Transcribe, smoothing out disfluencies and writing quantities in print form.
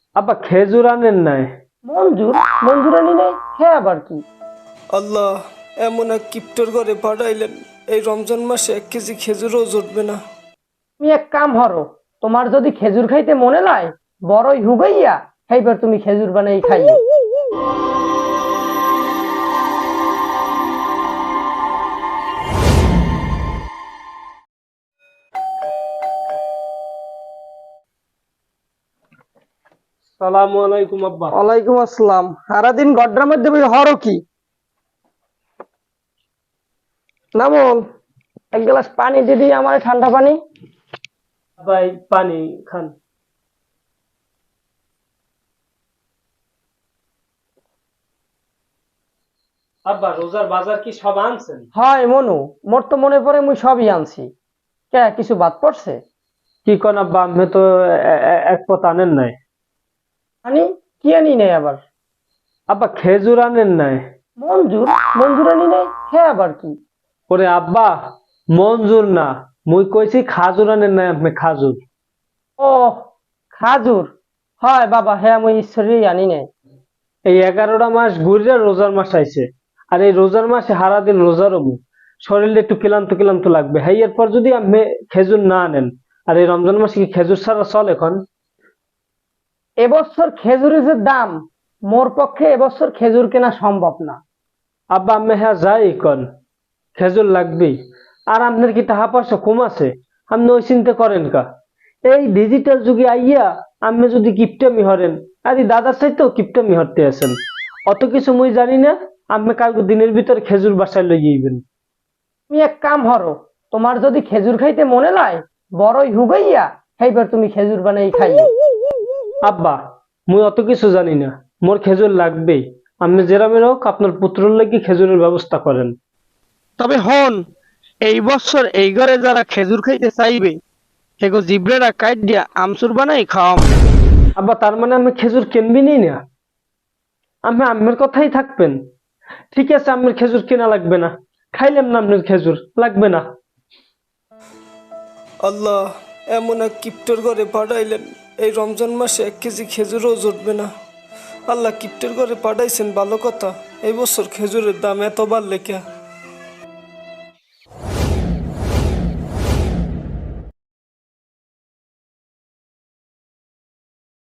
আব্বা খেজুর আনেন নাই? মঞ্জুর মঞ্জুর আনি নাই, হ্যাঁ আবার কি? আল্লাহ, এমন এক কিপ্টর ঘরে পাঠাইলেন, এই রমজান মাসে 1 কেজি খেজুরও জুটবে না। তুমি এক কাম হরো, তোমার যদি খেজুর খাইতে মনে লাই, বড়ই হুগাইয়া খাইবার তুমি খেজুর বানাই খাইও। সালামু আলাইকুম আব্বা। ওয়ালাইকুম আসসালাম। সারাদিন গড্ডার মধ্যে বই হরো কি? নামল, এক গ্লাস পানি দিদি আমার, ঠান্ডা পানি। আব্বা এই পানি খান। আব্বা রোজার বাজার কি সব আনছেন? হয় মনু, মোর তো মনে পড়ে মুই সবই আনছি। কে কিছু বাদ পড়ছে? কি কোন আব্বা, আমি তো এক পথ আনেন নাই। আনি কি আনি নাই আবার? আব্বা খেজুর আনেন নাই? মঞ্জুর মঞ্জুর আনি নাই, হ্যাঁ আবার কি? ওরে আব্বা, মঞ্জুর না, মুই কইছি খাজুর আনেন নাই আপনি, খাজুর। ও, খাজুর। হয় বাবা, হ্যাঁ মুই ঈশ্বরই আনি নাই। এই 11টা মাস ঘুরে রোজার মাস আইছে, আর এই রোজার মাসে সারাদিন রোজা রবো, শরীরে একটু ক্লান্ত ক্লান্ত লাগবে। হ্যাঁ, এরপর যদি আপনি খেজুর না আনেন, আর এই রমজান মাসে কি খেজুর ছাড়া চলে এখন? এবছর খেজুরের যে দাম, মোর পক্ষে এবছর খেজুর কেনা সম্ভব না। আব্বা আমি হ্যাঁ যাই কন, খেজুর লাগবেই। আর আপনার কি টাকা পয়সা কম আছে? আপনি ওই চিন্তা করেন কা? এই ডিজিটাল যুগে আইয়া আপনি যদি কিপটামি হরেন, আরে দাদার চাইতেও কিপটামি হরতে আছেন। অত কিছু মুই জানি না, আপনি কালকে দিনের ভিতরে খেজুর বাসায় লই যাইবেন। তুমি এক কাম হরো, তোমার যদি খেজুর খাইতে মনে লাই, বড়ই হুগাইয়া খাইবার তুমি খেজুর বানাই খাইও। আব্বা মুই অত কিছু জানি না, মোর খেজুর লাগবেই। আপনি যেরামের হোক আপনার পুত্রর লাগি খেজুরের ব্যবস্থা করেন। তবে হন, এই বছর এই ঘরে যারা খেজুর খাইতে চাইবে সেগো জিব্রেরা কাইট দিয়া আমসুর বানাই খাওয়াম। আব্বা তার মানে আমি খেজুর কিনবিনি না? আমি আম্মের কথাই থাকবেন? ঠিক আছে, আম্মের খেজুর কেনা লাগবে না, খাইলাম না আপনার খেজুর লাগবে না। আল্লাহ, এমন এক কিপ্টর ঘরে পাঠাইলেন, এই রমজান মাসে 1 কেজি খেজুরও জুটবে না। আল্লাহ, কিপ্টের ঘরে পাঠাইছেন ভালো কথা, এই বছর খেজুরের দাম এত বাড়লে কে?